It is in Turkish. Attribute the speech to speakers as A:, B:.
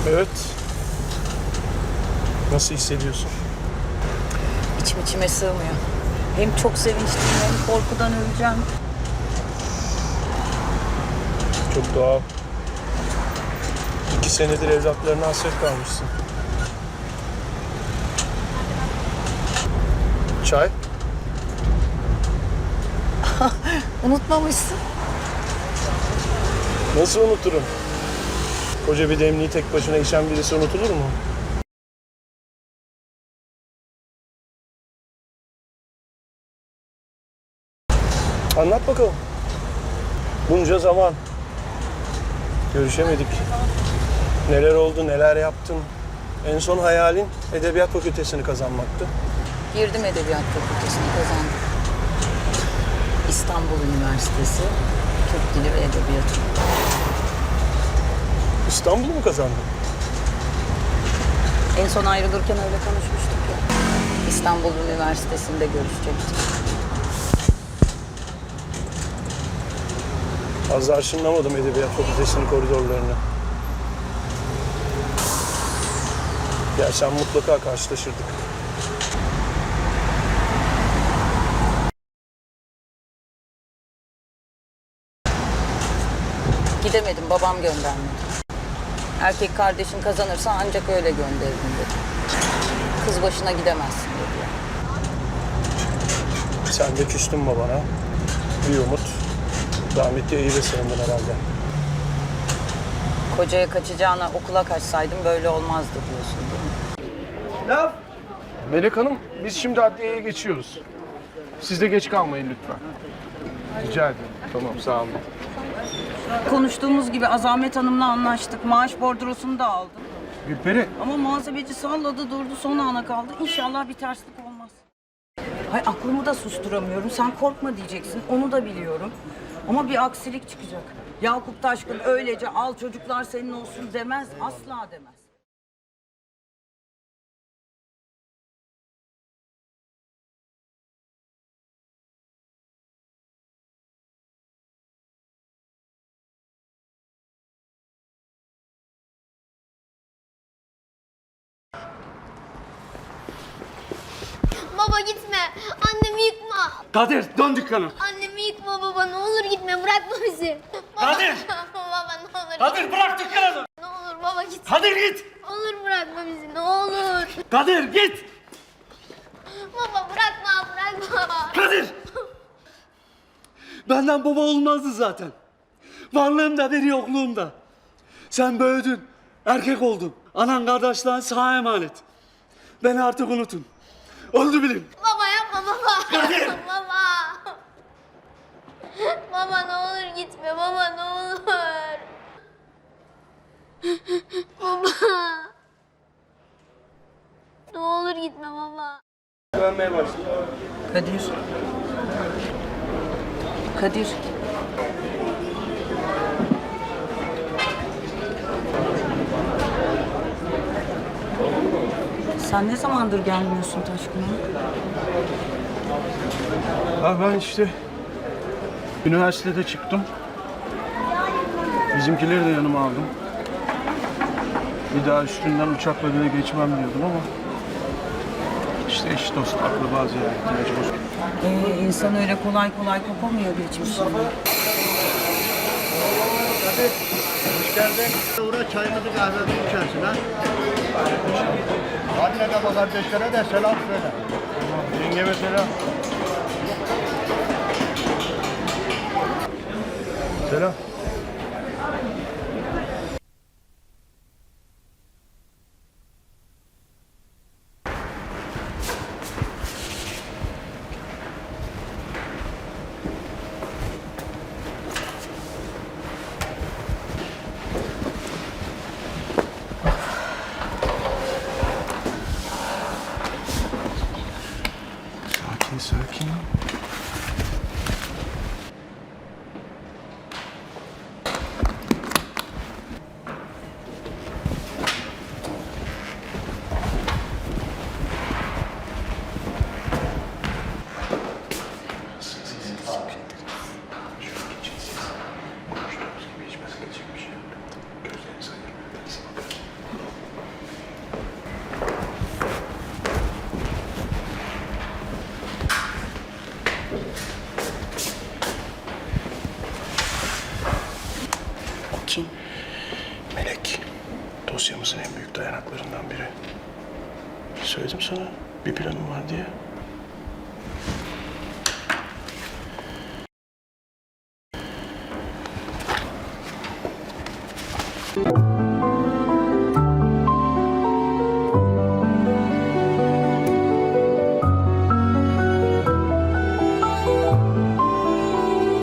A: Evet. Nasıl hissediyorsun?
B: İçim içime sığmıyor. Hem çok sevinçliyim hem korkudan öleceğim.
A: Çok doğal. 2 senedir evlatlarına hasret kalmışsın. Çay?
B: Unutmamışsın.
A: Nasıl unuturum? Koca bir demliği tek başına içen birisi unutulur mu? Anlat bakalım. Bunca zaman görüşemedik. Neler oldu, neler yaptın? En son hayalin Edebiyat Fakültesini kazanmaktı.
B: Girdim Edebiyat Fakültesini kazandım. İstanbul Üniversitesi Türk Dili ve Edebiyatı.
A: İstanbul'u mu kazandın?
B: En son ayrılırken öyle konuşmuştuk ya. İstanbul Üniversitesi'nde görüşecektik.
A: Az da arşınlamadım Edebiyat Fakültesinin koridorlarını. Gelsen mutlaka karşılaşırdık.
B: Gidemedim, babam göndermedi. Erkek kardeşin kazanırsa ancak öyle gönderirim dedi. Kız başına gidemezsin dedi.
A: Sen de küstün babana. Bir umut. Rahmetli iyi sığındın herhalde.
B: Kocaya kaçacağına okula kaçsaydım böyle olmazdı diyorsun değil mi?
A: Laf. Melek Hanım, biz şimdi adliyeye geçiyoruz. Siz de geç kalmayın lütfen. Rica ederim. Tamam, sağ olun.
B: Konuştuğumuz gibi Azamet Hanım'la anlaştık. Maaş bordrosunu da aldım.
A: Gülperi.
B: Ama muhasebeci salladı durdu, son ana kaldı. İnşallah bir terslik olmaz. Hay aklımı da susturamıyorum. Sen korkma diyeceksin. Onu da biliyorum. Ama bir aksilik çıkacak. Yakup Taşkın öylece al çocuklar senin olsun demez. Asla demez.
C: Baba gitme. Annemi yıkma.
D: Kadir dön dükkana.
C: Annemi yıkma baba. Ne olur gitme. Bırakma bizi. Baba.
D: Kadir!
C: Baba ne olur.
D: Kadir bırak dükkanı.
C: Ne olur baba git.
D: Kadir git.
C: Ne olur bırakma bizi. Ne olur.
D: Kadir git.
C: Baba bırakma.
D: Kadir. Benden baba olmazdı zaten. Varlığımda bir yokluğumda. Sen büyüdün. Erkek oldun. Anan kardeşlerin sana emanet. Beni artık unutun. Oldu bilin.
C: Baba yapma baba.
D: Kadir!
C: Baba. Baba ne olur gitme. Baba ne olur. Baba. Ne olur gitme baba.
A: Dönmeye başladı.
B: Kadir. Kadir. Sen ne zamandır gelmiyorsun Taşkın'a?
A: Ha ben işte üniversitede çıktım. Bizimkileri de yanıma aldım. Bir daha üstünden uçakla bile geçmem diyordum ama işte eş dost akraba ziyaretine mecbur.
B: İnsan öyle kolay kolay kopamıyor geçmişinden.
E: Hoş geldin. Uğra çayımızı kahvemizi içersin ha. Anne de kardeşlere de selam söyle.
A: Yengeme selam. Selam. Sakin.
B: O kim?
A: Melek. Dosyamızın en büyük dayanaklarından biri. Söyledim sana bir planım var diye.